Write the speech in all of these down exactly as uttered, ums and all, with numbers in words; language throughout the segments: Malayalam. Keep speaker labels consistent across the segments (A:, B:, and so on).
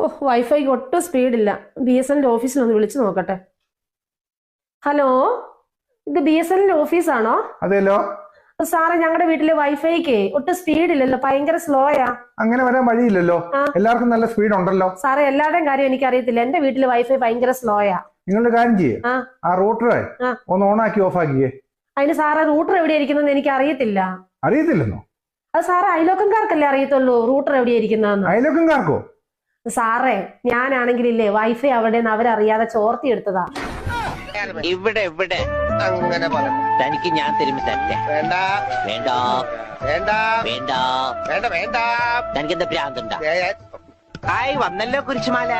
A: ഓഹ് വൈഫൈക്ക് ഒട്ടും സ്പീഡില്ല. ബി എസ് എൻ ഓഫീസിൽ ഒന്ന് വിളിച്ചു നോക്കട്ടെ. ഹലോ, ഇത് ബി എസ് എൻ ഓഫീസാണോ?
B: അതെല്ലോ
A: സാറേ, ഞങ്ങളുടെ വീട്ടിലെ വൈഫൈക്ക് ഒട്ടും സ്പീഡില്ലല്ലോ, ഭയങ്കര സ്ലോയാ.
B: അങ്ങനെ വരാൻ വഴിയില്ലല്ലോ, എല്ലാവർക്കും നല്ല സ്പീഡ് ഉണ്ടല്ലോ.
A: സാറേ, എല്ലാവരുടെയും കാര്യം എനിക്ക് അറിയത്തില്ല, എന്റെ വീട്ടിലെ വൈഫൈ ഭയങ്കര സ്ലോയാ.
B: നിങ്ങളുടെ കാര്യം ചെയ്യേ, ആ റൂട്ടറെ ഒന്ന് ഓണാക്കി ഓഫ് ആക്കിയേ.
A: അതിന് സാറേ, റൂട്ടർ എവിടെ ഇരിക്കുന്നത് എനിക്ക് അറിയത്തില്ല.
B: അറിയത്തില്ലെന്നോ?
A: അത് സാറേ, അയലോക്കംകാർക്കല്ലേ അറിയത്തുള്ളൂ റൂട്ടർ എവിടെ ഇരിക്കുന്നതെന്ന്.
B: അയലോക്കംകാർക്കോ?
A: സാറേ, ഞാനാണെങ്കിലില്ലേ വൈഫൈ അവിടെ നിന്ന് അവരറിയാതെ ചോർത്തി എടുത്തതാ.
C: ഇവിടെ ഇവിടെ അങ്ങനെ തനിക്ക് ഞാൻ തരുമ്പോ തന്നെ വേണ്ട വേണ്ട വേണ്ട വേണ്ട വേണ്ട വേണ്ട തനിക്ക് എന്താ ഭ്രാന്തുണ്ടാ? ഹായ്, വന്നല്ലോ കുരിശുമാല.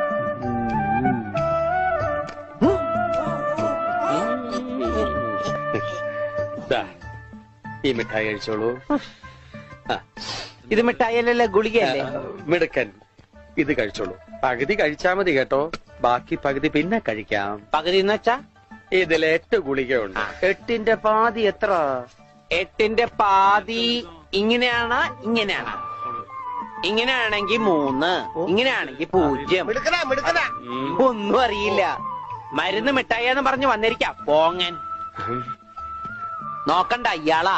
D: ഈ മിഠായി കഴിച്ചോളൂ.
C: ഇത് മിഠായിയല്ലല്ലോ, ഗുളികയല്ലേ?
D: മിടുക്കൻ, ഇത് കഴിച്ചോളൂ. പകുതി കഴിച്ചാ മതി കേട്ടോ, ബാക്കി പകുതി പിന്നെ കഴിക്കാം.
C: പകുതി എന്ന് വെച്ചാ
D: ഇതിൽ എട്ട് ഗുളികയുണ്ട്.
C: എട്ടിന്റെ പാതി എത്ര? എട്ടിന്റെ പാതി ഇങ്ങനെയാണ്, ഇങ്ങനെയാണ്. ഇങ്ങനെയാണെങ്കിൽ മൂന്ന്, ഇങ്ങനെയാണെങ്കിൽ പൂജ്യം. ഒന്നും അറിയില്ല. മരുന്ന് മിഠായിന്ന് പറഞ്ഞു വന്നിരിക്കാം പോങ്ങൻ. നോക്കണ്ട ഇയാളാ.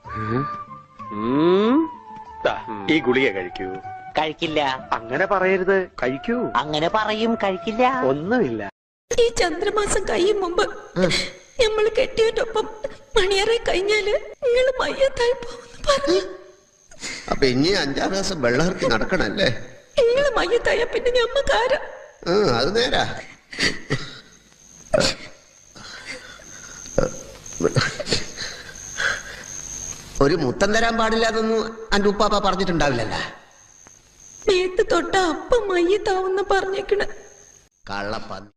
D: ഈ ഗുളിക കഴിക്കൂ.
C: കഴിക്കില്ല.
D: അങ്ങനെ പറയരുത്, കഴിക്കൂ.
C: അങ്ങനെ പറയും, കഴിക്കില്ല.
D: ഒന്നുമില്ല.
E: ഈ ചന്ദ്രമാസം കഴിയും മുമ്പ് നമ്മൾ കെട്ടിയതൊപ്പം മണിയറെ കഴിഞ്ഞാല് നിങ്ങള് മയ്യത്തായി പോകുന്നു പറഞ്ഞു.
F: അപ്പൊ ഇനി അഞ്ചാറ് ദിവസം വെള്ളമിറക്കി നടക്കണല്ലേ?
E: നിങ്ങള് മയ്യത്തായ പിന്നെ ഞമ്മക്കാര.
F: അത് നേരാ. ഒരു മുത്തം തരാൻ പാടില്ലാതൊന്നും അന്റെ ഉപ്പാപ്പ പറഞ്ഞിട്ടുണ്ടാവില്ലല്ലോ.
E: നേരത്തെ തൊട്ട അപ്പം മയ്യത്താവുന്ന പറഞ്ഞേക്കണ
F: കള്ളപ്പന്നി.